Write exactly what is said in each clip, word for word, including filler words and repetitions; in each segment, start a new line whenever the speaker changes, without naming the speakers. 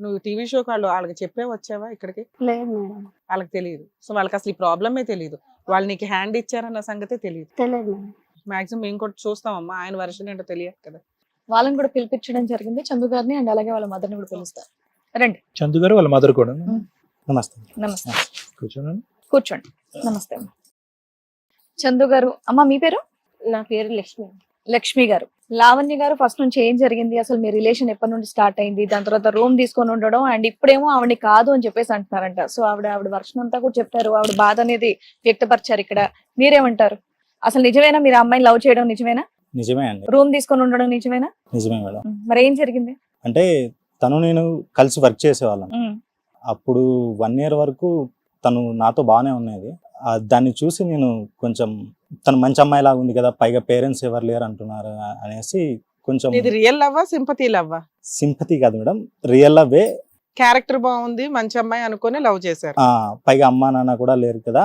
నువ్వు టీవీ షోకి వాళ్ళు వాళ్ళకి చెప్పే వచ్చావా ఇక్కడికి?
లేదు మేడం.
వాళ్ళకి తెలియదు. సో వాళ్ళకి అసలు ఈ ప్రాబ్లమే తెలియదు. వాళ్ళు నీకు హ్యాండ్ ఇచ్చారన్న సంగతే తెలియదు.
తెలియదు మేడం.
మాక్సిమం మేము కూడా చూస్తామమ్మా, ఆయన వర్షన్ ఏంటో తెలియదు కదా.
వాళ్ళని కూడా పిలిపించడం జరిగింది, చందు గారిని అండ్ అలాగే వాళ్ళ మదర్ని కూడా పిలుస్తారు. రండి
చందు గారు వాళ్ళ మదర్ కూడా.
నమస్తే.
నమస్తే,
కూర్చోండి.
కూర్చోండి. నమస్తే అమ్మ. చందు గారు, అమ్మ మీ పేరు?
నా పేరు లక్ష్మి.
లక్ష్మి గారు. లావణ్య గారు, ఫస్ట్ నుంచి ఏం జరిగింది, అసలు మీ రిలేషన్ ఎప్పటి నుండి స్టార్ట్ అయింది, దాని తర్వాత రూమ్ తీసుకొని ఉండడం అండ్ ఇప్పుడేమో ఆవిడ కాదు అని చెప్పేసి అంటున్నారంట. సో ఆవిడ ఆవిడ వర్షం అంతా కూడా చెప్పారు, ఆవిడ బాధ అనేది వ్యక్తపరిచారు. ఇక్కడ మీరేమంటారు? అసలు నిజమేనా మీరు అమ్మాయిని లవ్ చేయడం? నిజమేనా?
నిజమే అండి.
రూమ్ తీసుకొని ఉండడం నిజమేనా?
నిజమే మేడం.
మరి ఏం జరిగింది?
అంటే తను నేను కలిసి వర్క్ చేసేవాళ్ళం. అప్పుడు వన్ ఇయర్ వరకు తను నాతో బాగానే ఉన్నది. దాన్ని చూసి నేను కొంచెం తను మంచి అమ్మాయి లాగా ఉంది కదా, పైగా పేరెంట్స్ ఎవరు లేరు అంటున్నారు అనేసి కొంచెం.
ఇది రియల్ లవ్వా సింపతి లవ్వా?
సింపతి కాదు మేడం, రియల్ లవ్వే.
క్యారెక్టర్ బాగుంది, మంచి అమ్మాయి అనుకుని లవ్ చేశారు.
పైగా అమ్మా నాన్న కూడా లేరు కదా,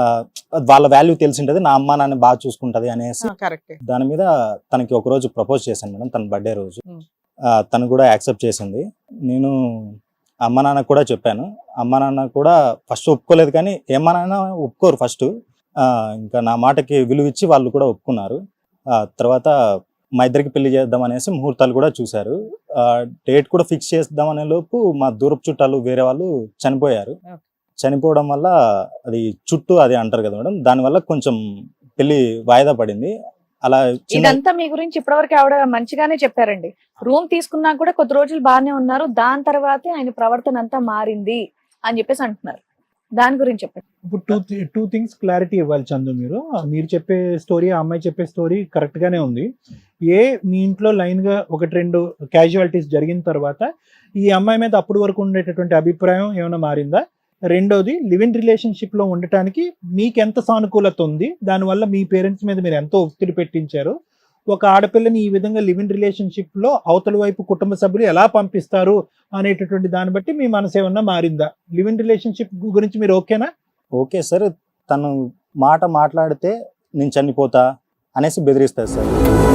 వాళ్ళ వాల్యూ తెలిసి ఉంటది, నా అమ్మా నాన్న బాగా చూసుకుంటది అనేసి
కరెక్ట్.
దాని మీద తనకి ఒక రోజు ప్రపోజ్ చేశాను మేడం, తన బర్త్డే రోజు. తను కూడా యాక్సెప్ట్ చేసింది. నేను అమ్మ నాన్న కూడా చెప్పాను. అమ్మ నాన్న కూడా ఫస్ట్ ఒప్పుకోలేదు, కానీ ఏమా నాన్న ఒప్పుకోరు ఫస్ట్. ఇంకా నా మాటకి విలువ ఇచ్చి వాళ్ళు కూడా ఒప్పుకున్నారు. తర్వాత మా ఇద్దరికి పెళ్లి చేద్దాం అనేసి ముహూర్తాలు కూడా చూశారు. డేట్ కూడా ఫిక్స్ చేద్దాం అనే లోపు మా దూరపు చుట్టాలు వేరే వాళ్ళు చనిపోయారు. చనిపోవడం వల్ల అది చుట్టూ అది అంటారు కదా మేడం, దానివల్ల కొంచెం పెళ్లి వాయిదా పడింది. అలా
ఇదంతా మీ గురించి ఇప్పటివరకు ఆవిడ మంచిగానే చెప్పారండి. రూమ్ తీసుకున్నా కూడా కొద్ది రోజులు బాగానే ఉన్నారు, దాని తర్వాతే ఆయన ప్రవర్తన అంతా మారింది అని చెప్పేసి అంటున్నారు. దాని గురించి చెప్పండి.
ఇప్పుడు టూ టూ థింగ్స్ క్లారిటీ ఇవ్వాలి చందు. మీరు మీరు చెప్పే స్టోరీ, ఆ అమ్మాయి చెప్పే స్టోరీ కరెక్ట్ గానే ఉంది. ఏ మీ ఇంట్లో లైన్ గా ఒకటి రెండు క్యాజువాలిటీస్ జరిగిన తర్వాత ఈ అమ్మాయి మీద అప్పటి వరకు ఉండేటటువంటి అభిప్రాయం ఏమైనా మారిందా? రెండోది, లివ్ ఇన్ రిలేషన్షిప్ లో ఉండటానికి మీకు ఎంత సానుకూలత ఉంది, దానివల్ల మీ పేరెంట్స్ మీద మీరు ఎంతో ఒత్తిడి పెట్టించారు. ఒక ఆడపిల్లని ఈ విధంగా లివ్ ఇన్ రిలేషన్షిప్ లో అవతల వైపు కుటుంబ సభ్యులు ఎలా పంపిస్తారు అనేటటువంటి దాన్ని బట్టి మీ మనసు ఏమన్నా మారిందా? లివ్ ఇన్ రిలేషన్షిప్ గురించి మీరు ఓకేనా?
Okay sir. తను మాట మాట్లాడితే నేను చనిపోతా అనేసి బెదిరిస్తారు సార్.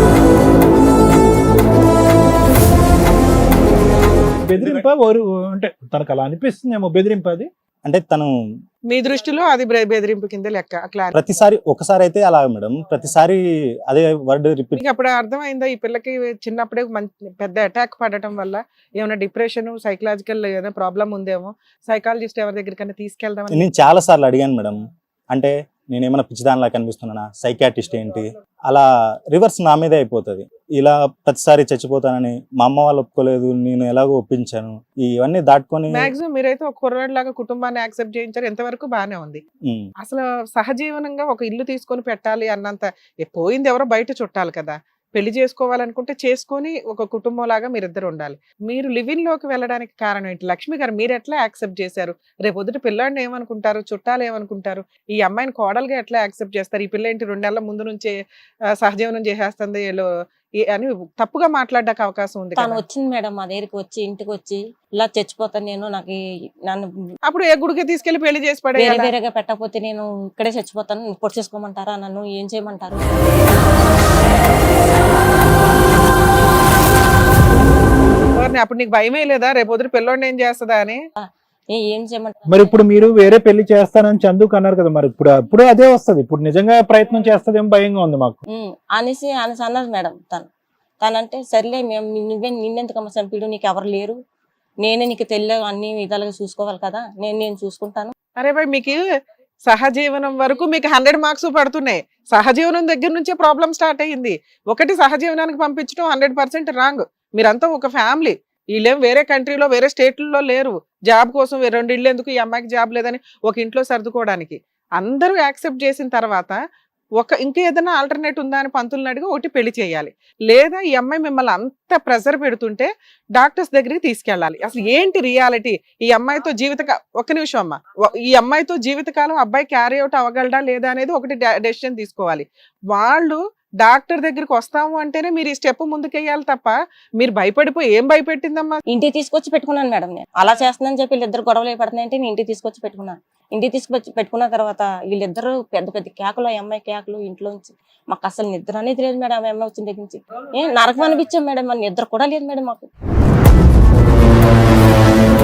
బెదిరింప అంటే తనకు అలా అనిపిస్తుందేమో, బెదిరింపది
అంటే తను
మీ దృష్టిలో అది బెదిరింపు కింద లెక్క?
ప్రతిసారి ఒకసారి అయితే అలా మేడం, ప్రతిసారి అదే వర్డ్ రిపీట్.
అప్పుడు అర్థమైందా ఈ పిల్లకి చిన్నప్పుడే పెద్ద అటాక్ పడటం వల్ల ఏమైనా డిప్రెషన్, సైకలాజికల్ ఏదైనా ప్రాబ్లం ఉందేమో, సైకాలజిస్ట్ ఎవరి దగ్గరికైనా తీసుకెళ్దాం?
నేను చాలా సార్లు అడిగాను మేడం. అంటే నేను ఏమైనా పిచ్చిదానిలా కనిపిస్తున్నానా, సైకాటిస్ట్ ఏంటి, అలా రివర్స్ నా మీదే అయిపోతుంది. ఇలా ప్రతిసారి చచ్చిపోతానని మా అమ్మ వాళ్ళు ఒప్పుకోలేదు, నేను ఎలాగో ఒప్పించాను. ఇవన్నీ దాటుకొని
మాక్సిమం మీరైతే ఒక కుర్రాడు లాగా కుటుంబాన్ని యాక్సెప్ట్ చేయించారు, ఎంతవరకు బాగానే ఉంది. అసలు సహజీవనంగా ఒక ఇల్లు తీసుకొని పెట్టాలి అన్నంత, పోయింది ఎవరో బయట చుట్టాలి కదా, పెళ్లి చేసుకోవాలనుకుంటే చేసుకొని ఒక కుటుంబం లాగా మీరిద్దరు ఉండాలి. మీరు లివింగ్ లోకి వెళ్ళడానికి కారణం ఏంటి? లక్ష్మి గారు మీరు ఎట్లా యాక్సెప్ట్ చేశారు? రేపు పొద్దుట పిల్లాడిని ఏమనుకుంటారు, చుట్టాలు ఏమనుకుంటారు, ఈ అమ్మాయిని కోడలుగా ఎట్లా యాక్సెప్ట్ చేస్తారు? ఈ పిల్ల ఏంటి రెండు నెలల ముందు నుంచే సహజీవనం చేసేస్తుంది అని తప్పుగా మాట్లాడడానికి అవకాశం ఉంది.
తను వచ్చింది మేడం మా దగ్గరికి వచ్చి, ఇంటికి వచ్చి ఇలా చచ్చిపోతాను నేను, నాకు నన్ను
అప్పుడు ఏ గుడికి తీసుకెళ్లి పెళ్లి చేసి పడే
వేరే వేరేగా పెట్టకపోతే నేను ఇక్కడే చచ్చిపోతాను, పొడి చేసుకోమంటారా, నన్ను ఏం చేయమంటారు?
అప్పుడు నీకు భయమే లేదా రేపు వదిలి పిల్లోడిని ఏం చేస్తుందా అని?
ఏం చేయమంటారు?
మరి ఇప్పుడు మీరు వేరే పెళ్లి చేస్తానని చందుకు అన్నారు కదా, మరి ఇప్పుడు ఇప్పుడు అదే వస్తుంది, ఇప్పుడు నిజంగా ప్రయత్నం చేస్తుందేమో భయంగా ఉంది మాకు
అనేసి అనేసి అన్నారు మేడం. తను తనంటే సర్లే మేము నువ్వే నిన్నెందుకమ్మ చంపిడు, నీకు ఎవరు లేరు, నేనే నీకు తెలియ అన్ని విధాలుగా చూసుకోవాలి కదా, నేను నేను చూసుకుంటాను.
అరే భాయ్, మీకు సహజీవనం వరకు మీకు హండ్రెడ్ మార్క్స్ పడుతున్నాయి. సహజీవనం దగ్గర నుంచే ప్రాబ్లం స్టార్ట్ అయ్యింది. ఒకటి సహజీవనానికి పంపించడం హండ్రెడ్ పర్సెంట్ రాంగ్. మీరంతా ఒక ఫ్యామిలీ, వీళ్ళేం వేరే కంట్రీలో వేరే స్టేట్లలో లేరు. జాబ్ కోసం రెండు ఇళ్ళు ఎందుకు, ఈ అమ్మాయికి జాబ్ లేదని ఒక ఇంట్లో సర్దుకోవడానికి. అందరూ యాక్సెప్ట్ చేసిన తర్వాత ఒక ఇంకా ఏదైనా ఆల్టర్నేట్ ఉందా అని పంతులను అడిగి ఒకటి పెళ్లి చేయాలి. లేదా ఈ అమ్మాయి మిమ్మల్ని అంత ప్రెజర్ పెడుతుంటే డాక్టర్స్ దగ్గరికి తీసుకెళ్ళాలి. అసలు ఏంటి రియాలిటీ? ఈ అమ్మాయితో జీవిత ఒక నిమిషం అమ్మ ఈ అమ్మాయితో జీవితకాలం అబ్బాయి క్యారీ అవుట్ అవ్వగలడా లేదా అనేది ఒకటి డెసిషన్ తీసుకోవాలి. వాళ్ళు డాక్టర్ దగ్గరికి వస్తాము అంటేనే మీరు ఈ స్టెప్ ముందుకెయ్యాలి తప్ప మీరు భయపడిపోయి ఏం భయపెట్టిందమ్మా?
ఇంటికి తీసుకొచ్చి పెట్టుకున్నాను మేడం. నేను అలా చేస్తున్నానని చెప్పి వీళ్ళిద్దరు గొడవలు పడుతున్నాయంటే నేను ఇంటికి తీసుకొచ్చి పెట్టుకున్నాను. ఇంటికి తీసుకొచ్చి పెట్టుకున్న తర్వాత వీళ్ళిద్దరు పెద్ద పెద్ద కేకలు, అమ్మాయి కేకలు ఇంట్లోంచి. మాకు అసలు నిద్ర అనేది లేదు మేడం. అమ్మాయి వచ్చిన దగ్గర నుంచి ఏ నరకం అనిపించాం మేడం. మన నిద్ర కూడా లేదు మేడం మాకు.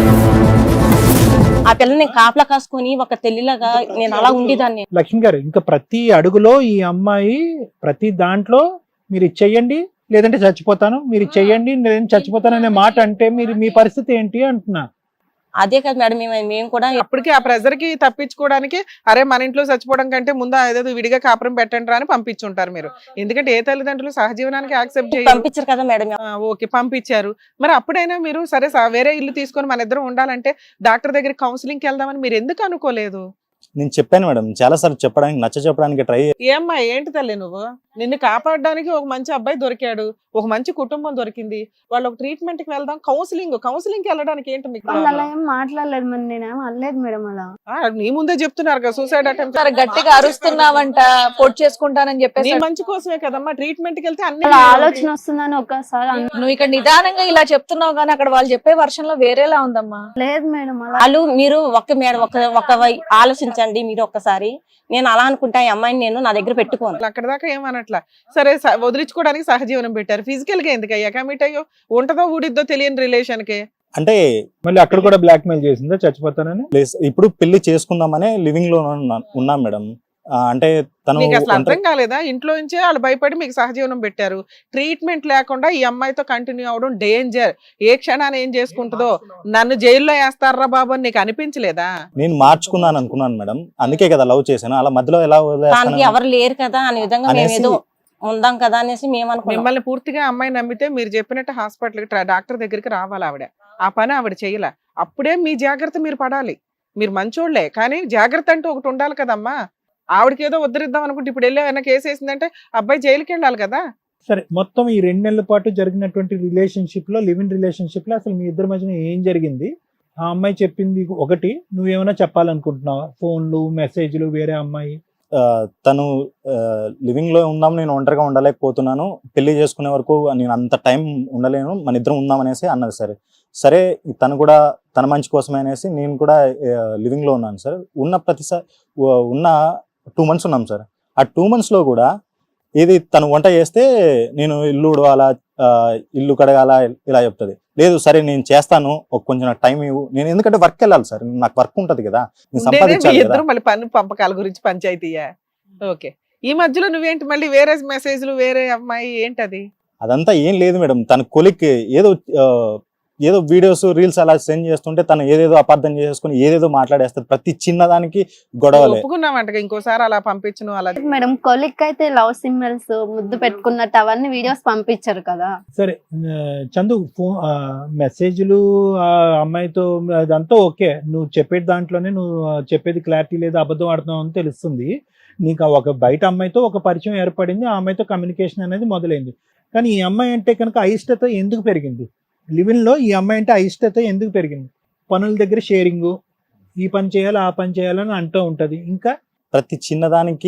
ఆ పిల్లని కాపలా కాసుకొని ఒక తెల్లిలాగా నేను అలా ఉండేదాన్ని.
లక్ష్మి గారు, ఇంకా ప్రతి అడుగులో ఈ అమ్మాయి ప్రతి దాంట్లో మీరు ఇది చెయ్యండి లేదంటే చచ్చిపోతాను, మీరు ఇది చెయ్యండి లేదంటే చచ్చిపోతాను అనే మాట అంటే మీరు మీ పరిస్థితి ఏంటి అంటున్నా.
అదే కదా మేడం, మేము మేము కూడా
అప్పటికి ఆ ప్రెజర్ కి తప్పించుకోవడానికి అరే మన ఇంట్లో చచ్చిపోవడం కంటే ముందు ఏదో విడిగా కాపురం పెట్టండి రా అని పంపించుంటారు మీరు. ఎందుకంటే ఏ తల్లిదండ్రులు సహజీవనానికి యాక్సెప్ట్ చేయాలి.
పంపించారు కదా మేడం.
ఓకే పంపించారు, మరి అప్పుడైనా మీరు సరే స- వేరే ఇల్లు తీసుకొని మన ఇద్దరం ఉండాలంటే డాక్టర్ దగ్గర కౌన్సిలింగ్ కి వెళ్దామని మీరు ఎందుకు అనుకోలేదు?
నేను చెప్పాను మేడం, చాలా సార్లు చెప్పడానికి నచ్చ చెప్పడానికి ట్రై.
ఏమ్మా ఏంటి తల్లి నువ్వు, నిన్ను కాపాడడానికి ఒక మంచి అబ్బాయి దొరికాడు, ఒక మంచి కుటుంబం దొరికింది, వాళ్ళు ఒక ట్రీట్మెంట్ కి వెళ్దాం, కౌన్సిలింగ్ కౌన్సిలింగ్ కి వెళ్ళడానికి ఏంటి మీకు
వాళ్ళు అలా
problem?
ఏం మాట్లాడలేదు, మరి నేనేం అనలేదు మేడం అలా.
ఆ, నీ ముందే చెప్తున్నారు కదా సూసైడ్ అటెంప్ట్.
సరే గట్టిగా అరుస్తున్నావంట, పొట్ చేసుకుంటానని
నీ
చెప్పేసి.
మంచి కోసమే కదమ్మా ట్రీట్మెంట్ కి వెళ్తే అన్ని
అలా ఆలోచన వస్తుందని ఒక్కసారి అన్-
నువ్వు ఇక్కడ నిదానంగా ఇలా చెప్తున్నావు కానీ అక్కడ వాళ్ళు చెప్పే వర్షన్ లో వేరేలా ఉందమ్మా.
లేదు మేడం అలా.
వాళ్ళు మీరు ఒక్క మేడం ఒక ఒక వై- ఆలోచించండి మీరు ఒక్కసారి. నేను అలా అనుకుంటా ఈ అమ్మాయిని నేను నా దగ్గర పెట్టుకోను.
అక్కడ దాకా ఏమనట్లా, సరే స- వదిలించుకోవడానికి సహజీవనం పెట్టారు. ఫిజికల్ గా ఎందుకు అయ్యా కమిట్ అయ్యో, ఉంటదో ఊడిద్దో తెలియని రిలేషన్ కి.
అంటే
మళ్ళీ అక్కడ కూడా బ్లాక్ మెయిల్ చేసిందా చచ్చిపోతానని?
ప్లేస్ ఇప్పుడు పెళ్లి చేసుకుందామనే లివింగ్ లో ఉన్నా- ఉన్నాం మేడం. ఆ, అంటే తను
మీకు అసలు అర్థం
ఒంటరి-
కాలేదా? ఇంట్లో నుంచే వాళ్ళు భయపడి మీకు సహజీవనం పెట్టారు. ట్రీట్మెంట్ లేకుండా ఈ అమ్మాయితో కంటిన్యూ అవడం డేంజర్. ఏ క్షణాన్ని ఏం చేసుకుంటుందో, నన్ను జైల్లో వేస్తారా బాబు అని నీకు అనిపించలేదా?
నేను మార్చుకున్నాను అనుకున్నాను మేడం, అందుకే కదా లవ్ చేశాను. అలా మధ్యలో ఎలా వదిలేస్తాను?
దానికి ఎవరు లేరు కదా అనే విధంగా మేము
అనేసి-
ఏదో ఉందాం కదా అనేసి మేము అనుకున్నాం.
మిమ్మల్ని పూర్తిగా అమ్మాయి నమ్మితే మీరు చెప్పినట్టు హాస్పిటల్ డాక్టర్ దగ్గరికి రావాలి ఆవిడ. ఆ పని ఆవిడ చేయలే. అప్పుడే మీ జాగ్రత్త మీరు పడాలి. మీరు మంచోళ్లే కానీ జాగ్రత్త అంటూ ఒకటి ఉండాలి కదమ్మా. ఆవిడకి ఏదో ఉద్ధరిద్దాం అనుకుంటే ఇప్పుడు వెళ్ళి ఏమైనా కేసు వేసిందంటే అబ్బాయి జైలుకి వెళ్ళాలి కదా.
సరే, మొత్తం ఈ రెండు నెలల పాటు జరిగినటువంటి రిలేషన్షిప్ లో, లివ్ ఇన్ రిలేషన్షిప్ లో అసలు మీ ఇద్దరి మధ్యన ఏం జరిగింది? ఆ అమ్మాయి చెప్పింది ఒకటి, నువ్వేమైనా చెప్పాలనుకుంటున్నావా? ఫోన్లు, మెసేజ్లు, వేరే అమ్మాయి?
ఆ, తను లివింగ్ లో ఉందాం, నేను ఒంటరిగా ఉండలేకపోతున్నాను, పెళ్లి చేసుకునే వరకు నేను అంత టైం ఉండలేను, మన ఇద్దరం ఉందాం అనేసి అన్నది. సరే సరే తను కూడా తన మంచి కోసమే అనేసి నేను కూడా లివింగ్ లో ఉన్నాను సార్. ఉన్న ప్రతిసారి ఉన్న టూ మంత్స్ ఉన్నాం సార్. ఆ టూ మంత్స్ లో కూడా ఏది తను వంట చేస్తే నేను ఇల్లు ఉడవాలా, ఆ, ఇల్లు కడగాల ఇలా చెప్తుంది. లేదు సరే నేను చేస్తాను, ఒక కొంచెం నాకు టైం ఇవ్వు. నేను ఎందుకంటే వర్క్ వెళ్ళాలి సార్, నాకు వర్క్ ఉంటది కదా, నేను
ఉండేదే మీ
సంపాదించాలి కదా.
ఇద్దరు మళ్ళీ పన్ను పంపకాల గురించి పంచాయతీయా? ఓకే, ఈ మధ్యలో నువ్వేంటి మళ్ళీ వేరే మెసేజ్లు, వేరే అమ్మాయి ఏంటది?
అదంతా ఏం లేదు మేడం, తన కొలిక్ ఏదో ఆ, ఏదో వీడియోస్ రీల్స్ అలా సెండ్ చేస్తుంటే తను ఏదేదో అపార్థం చేసుకుని ఏదేదో మాట్లాడేస్తారు. ప్రతి చిన్నదానికి గొడవలే.
ఒప్పుకున్నావంట ఇంకోసారి అలా పంపించను అలా.
మేడం కొలిక్ అయితే లవ్ సింబల్స్ ముద్దు పెట్టుకున్నట్టు అవన్నీ వీడియోస్ పంపించారు కదా.
సరే ఆ, చందు, ఫోన్ మెసేజ్లు ఆ అమ్మాయితో అదంతా ఓకే, నువ్వు చెప్పే దాంట్లోనే నువ్వు చెప్పేది క్లారిటీ లేదా అబద్ధం ఆడుతున్నావు అని తెలుస్తుంది. నీకు ఆ ఒక బయట అమ్మాయితో ఒక పరిచయం ఏర్పడింది, ఆ అమ్మాయితో కమ్యూనికేషన్ అనేది మొదలైంది. కానీ ఈ అమ్మాయి అంటే కనుక అయిష్టత ఎందుకు పెరిగింది? లివిన్ లో ఈ అమ్మాయి అంటే అయిష్టత ఎందుకు పెరిగింది? పనుల దగ్గర షేరింగ్, ఈ పని చేయాలి ఆ పని చేయాలని అంటూ ఉంటది. ఇంకా
ప్రతి చిన్నదానికి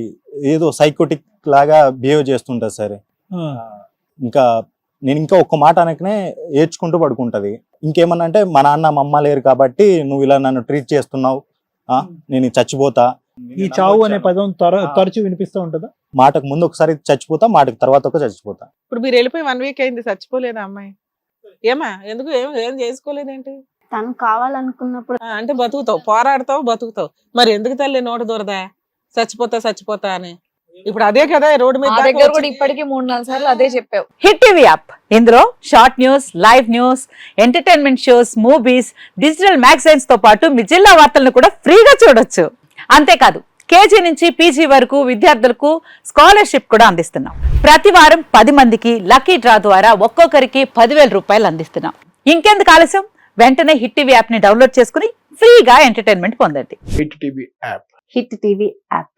ఏదో సైకోటిక్ లాగా బిహేవ్ చేస్తుంటది సార్.
ఆ,
ఇంకా నేను ఇంకా ఒక్క మాట అనకనే ఏడ్చుకుంటూ పడుకుంటది. ఇంకేమన్నా అంటే మా నాన్న మా అమ్మ లేరు కాబట్టి నువ్వు ఇలా నన్ను ట్రీట్ చేస్తున్నావు, ఆ, నేను చచ్చిపోతా.
ఈ చావు అనే పదం త్వర తరచు వినిపిస్తూ ఉంటుందా?
మాటకు ముందు ఒకసారి చచ్చిపోతా, మాటకు తర్వాత ఒక చచ్చిపోతా.
ఇప్పుడు మీరు వెళ్ళిపోయి వన్ వీక్ అయింది, చచ్చిపోలేదా అమ్మాయి? ఏమా ఎందుకు ఏం ఏం చేసుకోలేదేంటి?
తను కావాలనుకున్నప్పుడు
ఆ, అంటే బతుకుతావు, పోరాడతావు, బతుకుతావు. మరి ఎందుకు తల్లి నోట దూరదా చచ్చిపోతా చచ్చిపోతా అని? ఇప్పుడు అదే కదా రోడ్డు మీద
మా
దాకా
దగ్గర కూడా
వచ్చి-
ఇప్పటికీ మూడు నాలుగు సార్లు అదే చెప్పావు.
హిట్ టీవీ యాప్, ఇందులో short news, live news, entertainment shows, movies, digital magazines తో పాటు మీ జిల్లా వార్తలను కూడా ఫ్రీగా చూడొచ్చు. అంతేకాదు కేజీ నుంచి పీజీ వరకు విద్యార్థులకు స్కాలర్షిప్ కూడా అందిస్తున్నాం. ప్రతి వారం పది మందికి లక్కీ డ్రా ద్వారా ఒక్కొక్కరికి పదివేల రూపాయలు అందిస్తున్నాం. ఇంకెందుకు ఆలస్యం, వెంటనే హిట్ టీవీ యాప్ ని డౌన్లోడ్ చేసుకుని ఫ్రీగా ఎంటర్టైన్మెంట్ పొందండి.
Hit TV app.
Hit TV app.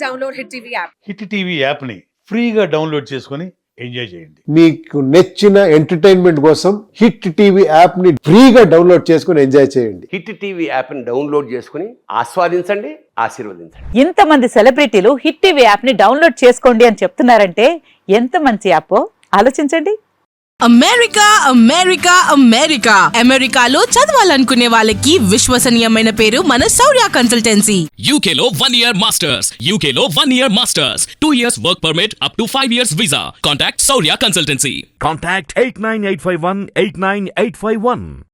Hit TV app ని ఫ్రీగా డౌన్లోడ్ చేసుకొని ఎంజాయ్ చేయండి.
మీకు నచ్చిన ఎంటర్టైన్మెంట్ కోసం హిట్ టీవీ యాప్ ని ఫ్రీగా డౌన్లోడ్ చేసుకుని ఎంజాయ్ చేయండి.
హిట్ టీవీ యాప్ని డౌన్లోడ్ చేసుకుని ఆస్వాదించండి, ఆశీర్వదించండి.
ఇంతమంది సెలబ్రిటీలు హిట్ టీవీ యాప్ ని డౌన్లోడ్ చేసుకోండి అని చెప్తున్నారంటే ఎంత మంచి యాప్ ఆలోచించండి.
అమెరికా అమెరికా అమెరికా అమెరికాలో చదవాలనుకునే వాళ్ళకి విశ్వసనీయమైన పేరు మన శౌర్య కన్సల్టెన్సీ.
యూకేలో వన్ ఇయర్ మాస్టర్స్, యూకేలో one year masters, two years work permit, up to five years visa. Contact Shaurya consultancy.
Contact eight nine eight five one eight nine eight five one.